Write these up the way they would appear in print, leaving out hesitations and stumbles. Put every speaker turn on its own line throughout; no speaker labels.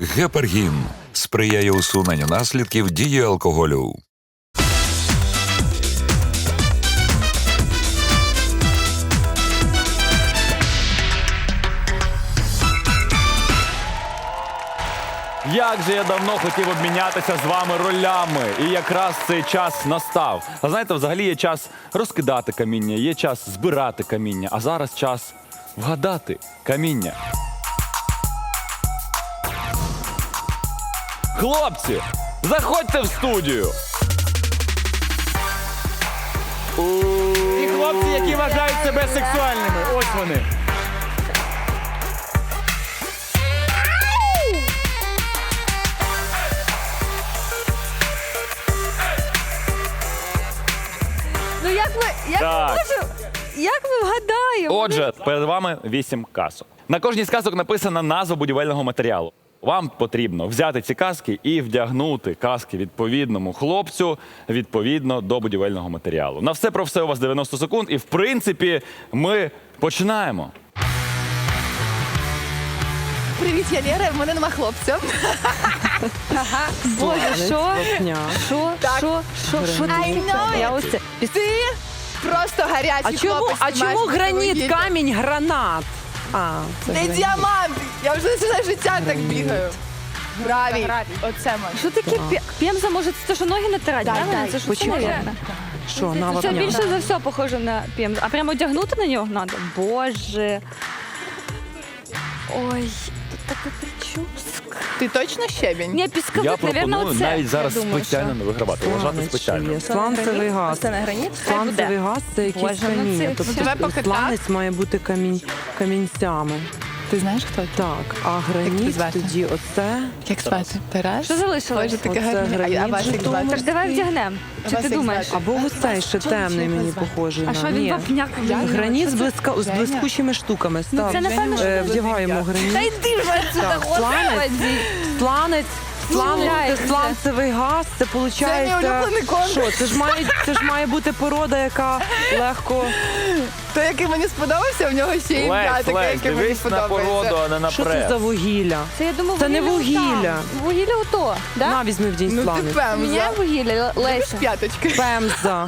Гепаргін сприяє усуненню наслідків дії алкоголю.
Як же я давно хотів обмінятися з вами ролями, і якраз цей час настав. А знаєте, взагалі є час розкидати каміння, є час збирати каміння, а зараз час вгадати каміння. Хлопці, заходьте в студію!
І хлопці, які вважають себе сексуальними. Ось вони.
Ну
Так.
як ми вгадаємо?
Отже, перед вами 8 казок. На кожній з казок написана назва будівельного матеріалу. Вам потрібно взяти ці казки і вдягнути казки відповідному хлопцю відповідно до будівельного матеріалу. На все про все у вас 90 секунд, і в принципі ми починаємо.
Привіт, я Лера, в мене нема хлопця. Боже, що? Що? I know
Я
it.
ось це.
Ти просто гарячий хлопець.
А чому
маєш
граніт,
вугілля.
камінь, гранат? А,
Не діамант. Я вже все життя так бігаю. Гравій. Оце може.
Що таке пемза? Може, це що ноги натирати?
Да,
правильно?
да.
Це що
Почекай.
наверное?
що, на
Це
вапня?
більше за все похоже на пемзу. А прямо одягнути на нього треба? Боже. Ой, тут така прическа.
Ти точно щебінь?
Ні, пісковик,
Я
наверное,
пропоную
оце.
навіть зараз
я думаю,
спеціально не вигравати, вважати
Сланець
спеціально.
є. Сланцевий газ.
Це не граніт? Хай
Сланцевий
буде.
газ – це якісь
Боже, ну
каміння.
це-
Тобто
Тебе поки
сланець має бути камінцями.
Ти знаєш, хто ти?
Так, а
Як
граніт
звати?
тоді оце.
Як звати? Тарас?
Що залишилось?
Боже, таке
Оце
гарне.
граніт
А вас як
Житомир.
звати?
Так давай вдягнемо. Чи
Вас
ти
як
думаєш?
звати?
Або ось цей ще темний мені похожий.
А
на.
що він
Ні.
вапняк?
Граніт з
Женя.
блискучими штуками.
Ну
Став.
це напевно, що
Вдягаємо
Та
граніт.
йди вже отсюда,
Так,
господи.
Сланець,
Гуляй,
це сланцевий газ, це
Це мій
виходить.
улюблений конкурс.
Що, це ж має бути порода, яка легко.
Той, який мені сподобався, в нього ще ім'я
Лесь,
таке,
Лесь,
яке мені
дивись на
подобається.
породу, а не на
Що це
прес.
за вугілля?
Це, я думаю,
Це не
отам.
вугілля.
Вугілля ото,
На,
да?
візьми в день
Ну ти
сланець.
пемза.
Міняє вугілля,
Любиш
Леся.
п'яточки?
Пемза.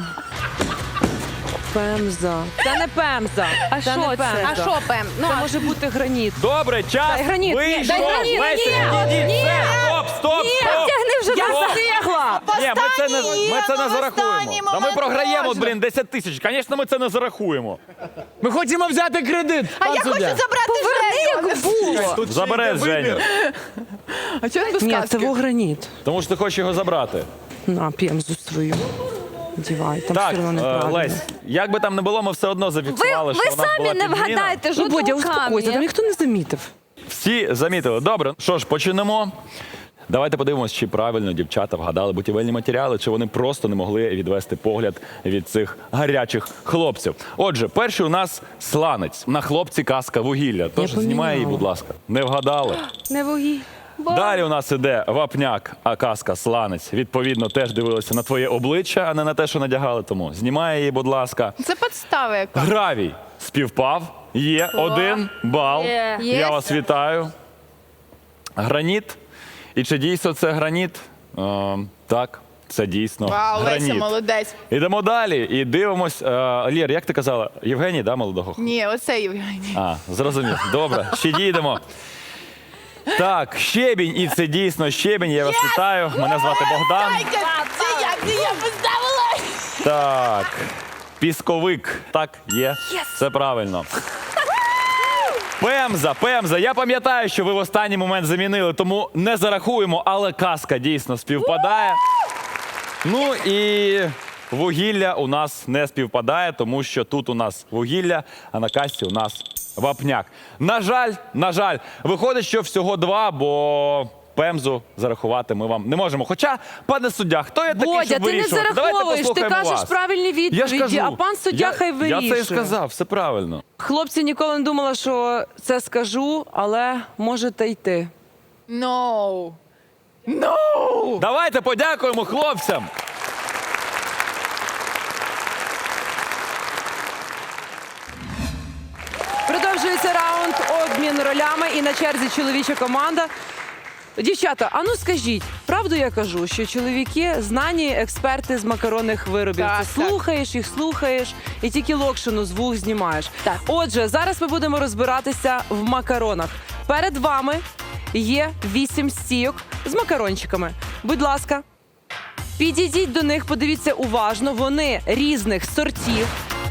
Пемза. Це не пемза.
А
Це
що
не
це?
пемза.
А що пем? Ну,
Це може бути граніт.
Добре, час
Дай граніт.
вийшов.
Дай граніт.
Леся, відійдіть. Все, стоп.
тягни вже
Я
назад.
встигла!
Ні, ми це не зарахуємо.
останній
Та ми
момент
програємо,
можна.
блін, 10 тисяч. Звісно, ми це не зарахуємо.
Ми хочемо взяти кредит,
А
пан
я хочу
суддя.
забрати Женю.
Як було.
Забереш, Женю.
А чого без
Ні, це
каски?
граніт.
Тому що ти хочеш його забрати.
На, пемзу свою. Дівай, там
Так,
все одно неправильно.
Лесь, як би там не було, ми все одно зафіксували,
Ви
що у нас була
самі не
підміна.
вгадаєте
Ну, Бодя,
жодного
успокойся, там
камня.
ніхто не замітив.
Всі замітили. Добре, що ж, почнемо. Давайте подивимось, чи правильно дівчата вгадали будівельні матеріали, чи вони просто не могли відвести погляд від цих гарячих хлопців. Отже, перший у нас сланець. На хлопці казка вугілля. Тож
Я
знімай її,
поміняла.
будь ласка. Не вгадали.
Не вугілля.
Далі у нас іде вапняк, а казка сланець. Відповідно, теж дивилися на твоє обличчя, а не на те, що надягали. Тому знімай її, будь ласка.
Це підстава яка.
Гравій співпав. Є 1 бал.
Є.
Я вас вітаю. Граніт. І чи дійсно це граніт? Так, це дійсно
Вау, Леся,
граніт.
молодець.
Ідемо далі і дивимось. Лєр, як ти казала? Євгеній, да, молодого?
Ні, оце Євгеній.
А, зрозумів. Добре, ще дійдемо. Так, щебінь, і це дійсно щебінь. Я вас вітаю. Мене звати Богдан.
Це я поставила.
Так, пісковик. Так, є. Це правильно. Пемза. Я пам'ятаю, що ви в останній момент замінили, тому не зарахуємо, але казка дійсно співпадає. Ну і вугілля у нас не співпадає, тому що тут у нас вугілля, а на касті у нас вапняк. На жаль, виходить, що всього 2, бо пемзу зарахувати ми вам не можемо. Хоча, пане суддя, хто я такий,
Бодя,
щоб
ти не
вирішувати? Давайте
зараховуєш, ти
послухаємо
кажеш
вас.
правильні
Я ж
відповіді,
кажу,
а пан суддя хай вирішує.
Я це і сказав, все правильно.
Хлопці, ніколи не думала, що це скажу, але можете йти.
No.
Давайте подякуємо хлопцям.
Продовжується раунд обмін ролями і на черзі чоловіча команда. Дівчата, а ну скажіть, правду я кажу, що чоловіки знані експерти з макаронних виробів.
Так,
Ти слухаєш їх, слухаєш і тільки локшину з вух знімаєш.
Так.
Отже, зараз ми будемо розбиратися в макаронах. Перед вами є 8 стійок з макарончиками. Будь ласка, підійдіть до них, подивіться уважно. Вони різних сортів.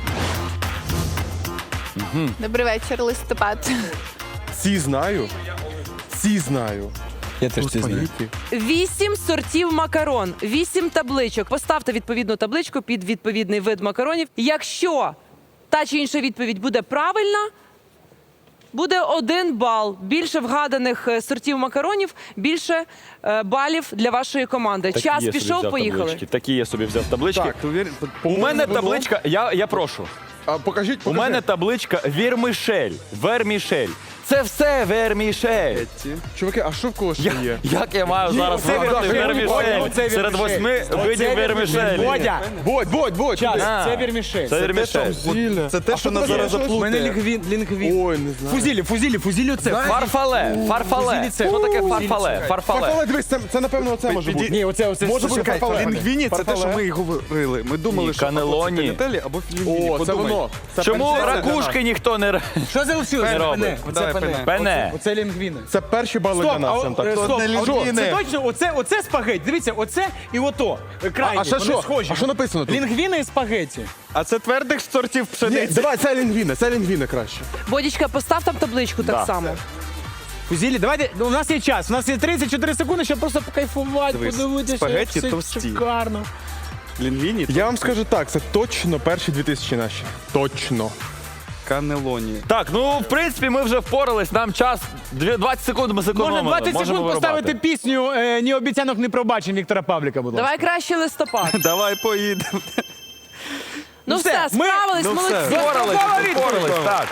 Добрий вечір, листопад.
Ці знаю. Ці знаю.
Я теж це знаю.
8 сортів макарон, 8 табличок. Поставте відповідну табличку під відповідний вид макаронів. Якщо та чи інша відповідь буде правильна, буде 1 бал. Більше вгаданих сортів макаронів, більше балів для вашої команди.
Такі
Час
я собі
пішов,
взяв
поїхали.
таблички. Такі я собі взяв таблички.
Так,
У мене табличка, я прошу.
Покажіть,
У мене табличка вермішель. Це все вермішель.
Чуваки, а що в кого ще є?
Як я маю зараз
оце
вибрати
вермішель.
вермішель
Оце
серед
вермішель.
8 видів вермішелі?
Бодя,
Будь,
час,
А.
це вірмішель.
Це вермішель.
Зілля.
Це те, що нас зараз
У мене
заплутає.
лінгвін.
Ой, не знаю.
Фузілі це.
Фарфале.
Фузілі це.
Що таке фарфале?
Фарфале, дивись, це напевно оце може бути.
Ні, оце.
Може бути
Чекай,
фарфале.
лінгвіні це те, що
Фарфале.
ми і говорили. Ми думали,
Ні,
що або
канелоні.
це канітелі, або лінгвіні.
О, це
Подумай.
воно. Це
Чому
перші-
ракушки ніхто не
Що залишилося?
Не робить.
Оце пене.
Пене?
Оце лінгвіни.
Це перші бали для нас. Антон.
Стоп,
не лінгвіни.
це точно, оце спагетті. Дивіться, оце і ото. Крайні,
А ще
вони
що?
схожі.
А що написано тут?
Лінгвіни і спагетті.
А це твердих сортів
Ні,
пшениці.
давай, це лінгвіни краще.
Бодічка, постав там табличку так само.
Фузілі, давайте, у нас є час, у нас є 34 секунди, щоб просто покайфувати,
Дивись,
подивитися,
спагетті
як все
товсті.
шикарно.
Лінгвіні
Я вам скажу так, це точно перші 2000 наші. Точно.
канелоні.
Так, ну в принципі ми вже впорались. Нам час 20 секунд ми зекономили.
Можна 20
Можемо
секунд поставити
вирубати.
пісню «Ні обіцянок, ні пробачень» Віктора Павліка, будь ласка.
Давай краще листопад.
Давай поїдемо.
Ну
все,
все,
ми-
справились,
ну все.
молодці.
Впорались, впорались, так.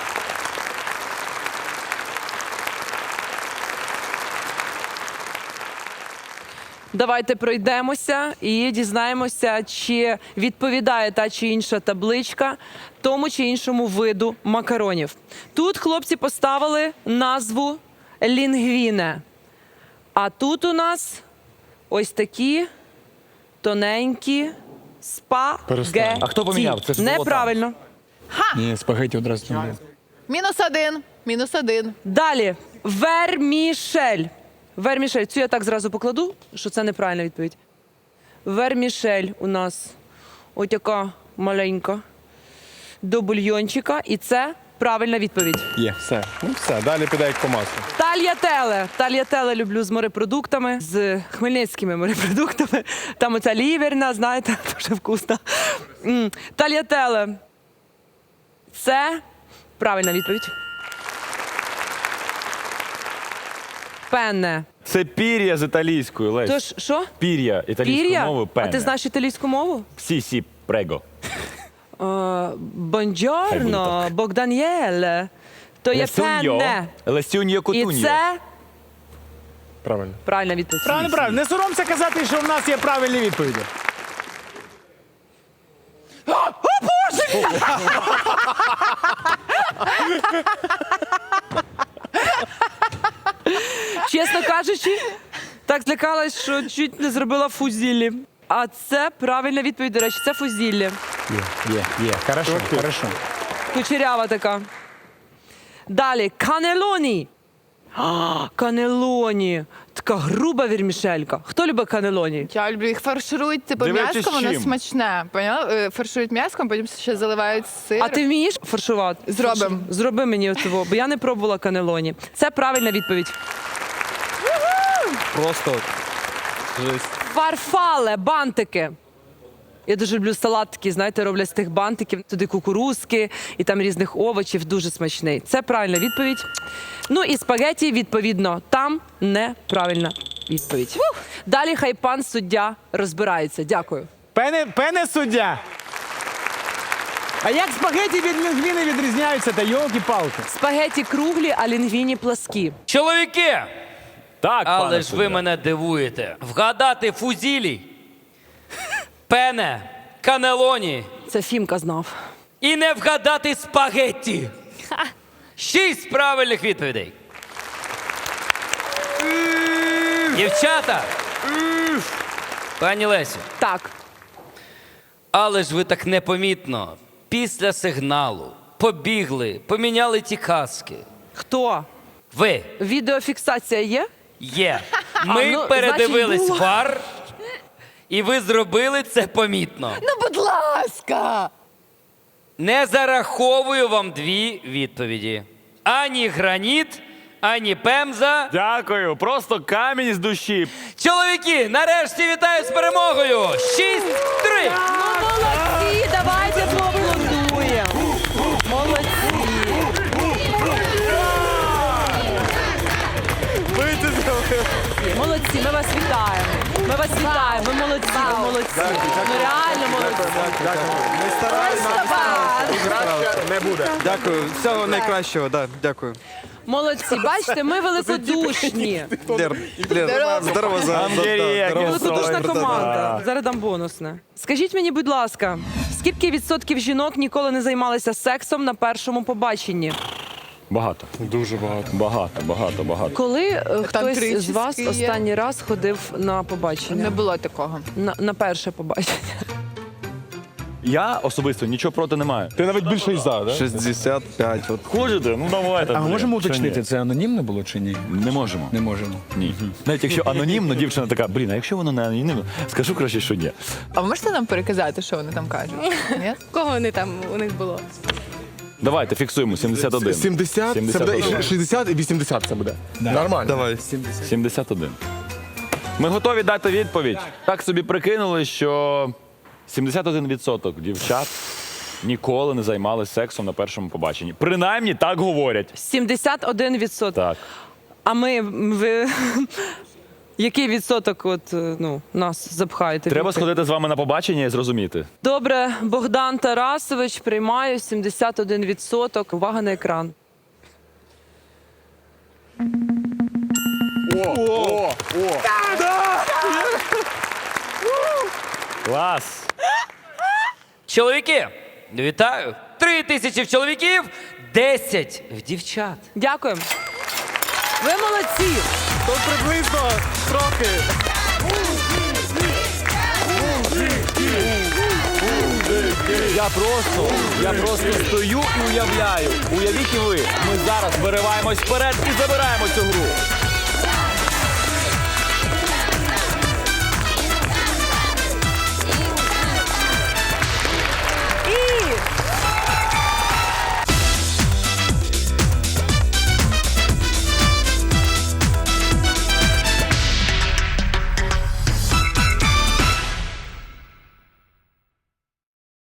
Давайте пройдемося і дізнаємося, чи відповідає та чи інша табличка тому чи іншому виду макаронів. Тут хлопці поставили назву лінгвіне. А тут у нас ось такі тоненькі спагеті.
А хто поміняв? Це ж було
Неправильно.
Ні, спагетті одразу там було.
-1.
Далі. Вермішель. Вермішель. Цю я так зразу покладу, що це неправильна відповідь. Вермішель у нас ось така маленька до бульйончика. І це правильна відповідь.
Є, все. Ну все, далі піде як по маслу.
Тальятеле. Тальятеле люблю з морепродуктами, з хмельницькими морепродуктами. Там оця ліверна, знаєте, дуже вкусна. Тальятеле. Це правильна відповідь. Пенне.
Це пір'я з італійською, Лесь.
Тож, що?
Пір'я італійською
Пір'я?
мовою
А
пене.
ти знаєш італійську мову?
Сі, прего.
Бонджорно, Богдан'єле. То є пенне.
Лесюньо
І
кутуньо.
це
Правильно.
правильна відповідь.
Правильно. Не соромся казати, що в нас є правильні відповіді.
Чесно кажучи, так злякалась, що чуть не зробила фузіллі. А це правильна відповідь, до речі, це фузіллі.
Є. Хорошо.
Кучерява така. Далі, канелоні. Канелоні. Така груба вірмішелька. Хто любить канелоні?
Я люблю їх фарширують, типу
Дивлячись,
м'яском, воно
чим.
смачне. Поняла? Фарширують м'яском, потім ще заливають сир.
А ти вмієш фаршувати?
Зробимо.
Зроби мені цього, бо я не пробувала канелоні. Це правильна відповідь.
Просто жесть.
Фарфале, бантики. Я дуже люблю салат такий, знаєте, роблять з тих бантиків. Туди кукурузки і там різних овочів. Дуже смачний. Це правильна відповідь. Ну і спагеті, відповідно, там неправильна відповідь. Далі хай пан суддя розбирається. Дякую.
Пене суддя. А як спагетті від лінгвіни відрізняються, та йолки-палки?
Спагеті круглі, а лінгвіні пласкі.
Чоловіки,
Так,
але
пане
ж ви
суддя.
мене дивуєте. Вгадати фузілі, пене, канелоні
Це Фімка знав.
і не вгадати спагетті. 6 правильних відповідей. Дівчата! Пані Лесю,
Так.
але ж ви так непомітно після сигналу побігли, поміняли ті каски.
Хто?
Ви
Відеофіксація є?
є. Ми
ну,
передивились
значить, було.
фар, і ви зробили це помітно.
Ну, будь ласка.
Не зараховую вам 2 відповіді. Ані граніт, ані пемза.
Дякую, просто камінь з душі.
Чоловіки, нарешті вітаю з перемогою! 6-3!
Ну, молодці, давайте поаплодуємо. Молодці. Молодці, ми вас вітаємо. Ми вас вітаємо. Ви молодці, ви молодці. Ну реально молодці.
Не буде.
Дякую. Всього найкращого, да, дякую.
Молодці, бачите, ми великодушні.
Здорово за
Великодушна команда. Зараз дам бонусне. Скажіть мені, будь ласка, скільки відсотків жінок ніколи не займалися сексом на першому побаченні?
Багато.
Дуже багато.
Багато.
Коли хтось
тричі
з вас
є.
останній раз ходив на побачення?
Не було такого.
На перше побачення.
Я особисто нічого проти не маю.
Ти навіть більше із за, да?
65. От.
Хочете? Ну давайте.
А ми
блін.
можемо
Чи ні?
уточнити, це анонімне було чи ні?
Не можемо.
Не можемо.
Ні. Навіть якщо анонімно, дівчина така, блін, а якщо воно не анонімно, скажу краще, що ні.
А ви можете нам переказати, що вони там кажуть? Ні?
Кого вони там у них було?
Давайте фіксуємо 71.
70, це буде і 60 і 80 це буде. Нормально.
Давай.
71. Ми готові дати відповідь. Так собі прикинули, що 71% дівчат ніколи не займалися сексом на першому побаченні. Принаймні так говорять.
71%.
Так.
А ви який відсоток нас запхаєте?
Треба сходити з вами на побачення і зрозуміти.
Добре, Богдан Тарасович, приймаю 71%. Увага на екран.
Клас!
Чоловіки, вітаю! 3000 в чоловіків, 10 в дівчат.
Дякую. Ви молодці.
То приблизно трохи.
Я просто стою і уявляю. Уявіть і ви, ми зараз вириваємось вперед і забираємо цю гру.